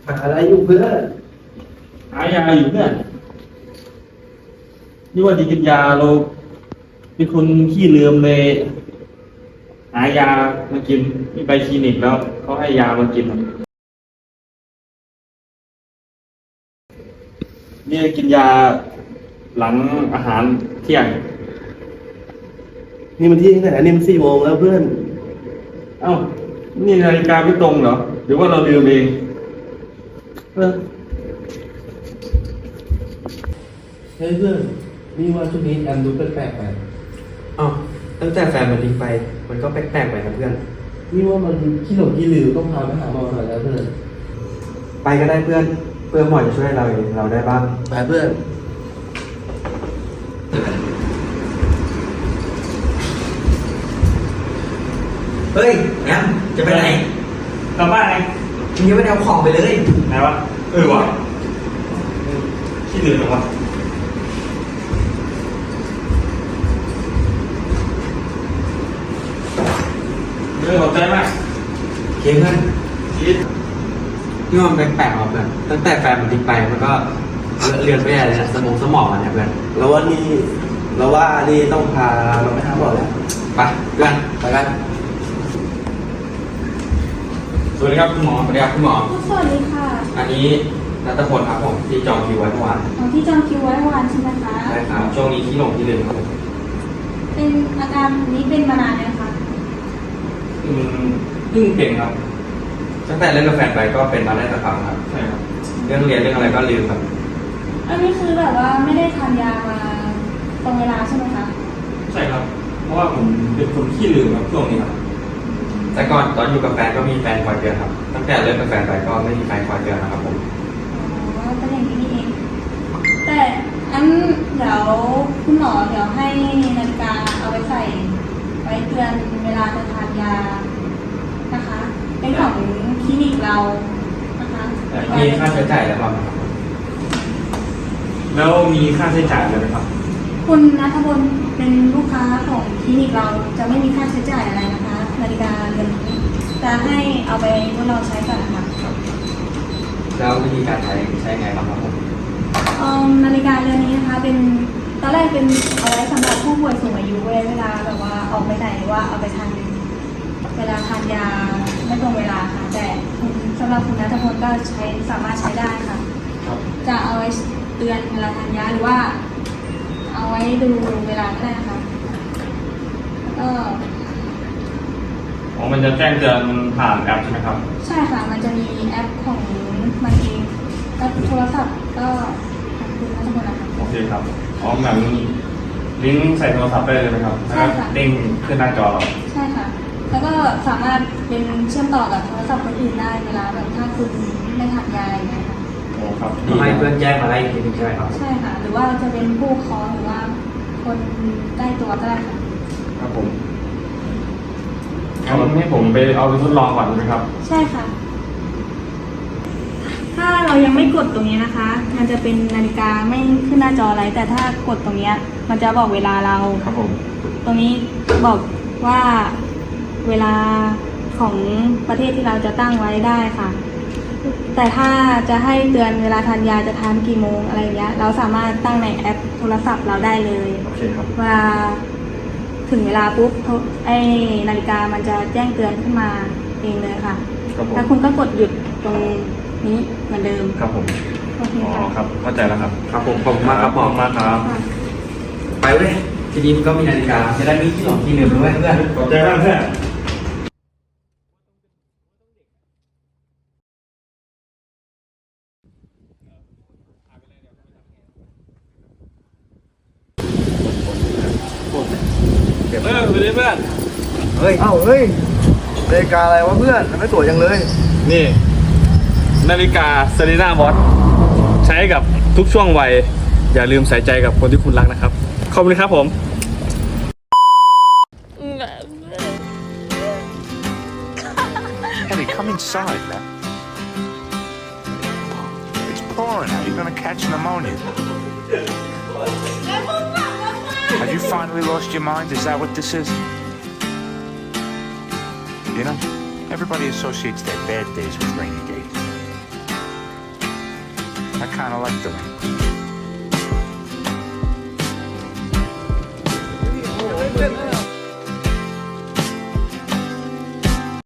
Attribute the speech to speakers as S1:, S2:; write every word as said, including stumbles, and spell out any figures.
S1: หาอะไรอยู่เพื่อน
S2: หายาอยู่เพื่อนนี่ว่าดีกินยาเราเป็นคนขี้ลืมเลย หายามากินที่ไปคลินิกแล้วเขาให้ยามากินนี่กินยาหลังอาหารเที่ยง
S1: นี่มันที่ไหนนี่มันสี่โมงแล้วเพื่อน
S2: เอ้านี่นาฬิกาไม่ตรงเหรอหรือว่าเราลืมเองเออ
S1: เฮ้ยเพื่อนนี่ว่าช่วงนี้แอมดูแปลกๆไป
S3: อ้าวตั้งแต่แฟนมันทิ้งไป มันก็แปลกๆไปนะเพื่อน
S1: นี่ว่ามันขี้หลงขี้ลืมต้องพาไปหาหมอหน่อยแล้วเพื่อน
S3: ไปก็ได้เพื่อน เพื่อหมอจะช่วยเราเราได้บ้าง
S1: ไปเพื่อน
S3: เฮ้ยแอมจะไปไหน
S2: กลับบ้านไง
S3: มึงยังไม่ได้เอาของไปเลย
S2: ไหนวะเออวะขี้ลืมเหรอวะเรื่องขอบใจมาก
S3: โอเคเพื่อน
S2: ชีส
S3: ที่ว่ามันแปลกๆออกเพื่อนตั้งแต่แฟนมันทิ้งไปมันก็เลือนไปใหญ่เลยนะสมองสมองมันเนี่ยเพื่อน
S1: แล้วว่านี่เราว่านี่ต้องพาเราไปหาหมอแล้ว
S3: ไปเพื่อนไปกัน
S2: สวัสดีครับคุณหมอ
S3: สวัสดีครับคุณหมอ
S4: สวัสดีค่ะ
S3: อันนี้นัทพลครับผมที่จองคิวไว้เมื่อวาน
S4: อ๋อที่จองคิวไว้เมื่อวานใช่ไหมคะ
S3: ใช่ครับช่วงนี้ที่หลงที่ลืมครับผม
S4: เป็นอาการนี้เป็นมานานแล้วคะ
S2: อืมเพิ่งเป็นครับ
S3: ตั้งแต่เลิกกับแฟนไปก็เป็นมาได้สักพักครับ
S2: ใช่ครับ
S3: เรื่องเรียนเรื่องอะไรก็ลืมครับ
S4: อันนี้คือแบบว่าไม่ได้ทานยามาตรงเวลาใช่ไหมคะ
S2: ใช่ครับ เพราะว่าผมเป็นคนขี้ลืมครับช่วงนี้ครับ
S3: แต่ก่อนตอนอยู่กับแฟนก็มีแฟนคอยเตือนครับ ตั้งแต่เลิกกับแฟนไปก็ไม่มีใครคอยเตือนนะครับผม
S4: อ๋อเป็นอย่างนี้นี่เอง แต่อันเดี๋ยวคุณหมอเดี๋ยวให้นาฬิกาเอาไว้ใส่ไว้เตือนเวลาจะทานยานะคะ เป็นของคลินิกเรานะคะ
S3: มีค่าใช้จ่ายแล้วบ้างไหมครับ
S2: แล้วมีค่าใช้จ่ายอะไรไหมครับ
S4: คุณณัฐพลเป็นลูกค้าของคลินิกเราจะไม่มีค่าใช้จ่ายอะไรนะคะ นาฬิกาเรือนนี้จะให้เอาไปทดลองใช้ก่อนนะคะ
S3: แล้ววิธีการใช้ใช้ไงบ้างครับผม
S4: เอิ่มนาฬิกาเรือนนี้นะคะ เป็นตอนแรกเป็นเอาไว้สำหรับผู้ป่วยสูงอายุเวลาแบบว่าออกไปไหนหรือว่าเอาไปทานเวลาทานยาไม่ตรงเวลาค่ะ แต่คุณสำหรับคุณณัฐพลก็ใช้สามารถใช้ได้ค่ะ
S2: ครับ
S4: จะเอาไว้เตือนเวลาทานยาหรือว่า เอาไว้ดูเวลาก็ได้นะคะแล้วก็
S2: อ๋อมันจะแจ้งเตือนผ่านแอปใช่ไหมครับ
S4: ใช่ค่ะ มันจะมีแอปของมันเองแอปโทรศัพท์ก็ของคุณนัทพลนะคะ
S2: โอเคครับ อ๋อเหมือนลิงก์ใส่โทรศัพท์ได้เลยไหมครับ
S4: ใช่ค่ะ
S2: เด้งขึ้นหน้าจอเรา
S4: ใช่ค่ะ แล้วก็สามารถเป็นเชื่อมต่อกับโทรศัพท์คนอื่นได้เวลาแบบถ้าคุณไม่ทานยาอะไรอย่างเงี้ยค่ะ
S2: โอ้ครับ
S3: ทำไมเพื่อนแจ้งมาไล่อีกทีหนึงใช่ไหมครับ
S4: ใช่ค่ะ หรือว่าจะเป็นผู้คอหรือว่าคนใกล้ตัวก็ได้ค่ะ
S2: ครับผมงั้นให้ผมไปเอาไปทดลองก่อนไหมครับ
S4: ใช่ค่ะ ถ้าเรายังไม่กดตรงนี้นะคะ มันจะเป็นนาฬิกาไม่ขึ้นหน้าจออะไร แต่ถ้ากดตรงเนี้ยมันจะบอกเวลาเรา
S2: ครับผม
S4: ตรงนี้บอกว่าเวลาของประเทศที่เราจะตั้งไว้ได้ค่ะ แต่ถ้าจะให้เตือนเวลาทานยาจะทานกี่โมงอะไรอย่างเงี้ย เราสามารถตั้งในแอปโทรศัพท์เราได้เลย
S2: โอเคครับ
S4: ว่าถึงเวลาปุ๊บโทรไอ้นาฬิกามันจะแจ้งเตือนขึ้นมาเองเลยค่ะ
S2: ครับผม
S4: แล้วคุณก็กดหยุดตรงนี้เหมือนเดิม
S2: ครับผม
S4: โอเค
S2: อ๋อ
S4: ค่ะ
S2: ครับ เข้าใจแล้วครับ
S3: ครับผมขอบคุณมากครับหมอ
S2: ขอบณมากครับ
S4: ค่ะ
S3: ไปเว้ยทีนี้มันก็มีนาฬิกาจะได้มีที่หลงที่ลืมด้วยเพื่อน
S2: ขอบใจมากเพื่อน เออไปเลยเพื่อน
S1: เฮ้ย เอ้า เฮ้ยนาฬิกาอะไรวะเพื่อนทำไมสวยจังเลย
S2: นี่ นาฬิกาเซรีน่าวอทใช้กับทุกช่วงวัย อย่าลืมใส่ใจกับคนที่คุณรักนะครับ ขอบคุณครับผม
S5: Ellie, come inside, man. It's pouring out. You're gonna catch pneumonia. Have you finally lost your mind? Is that what this is? You know, everybody associates their bad days with rainy days. I kind of like the rain.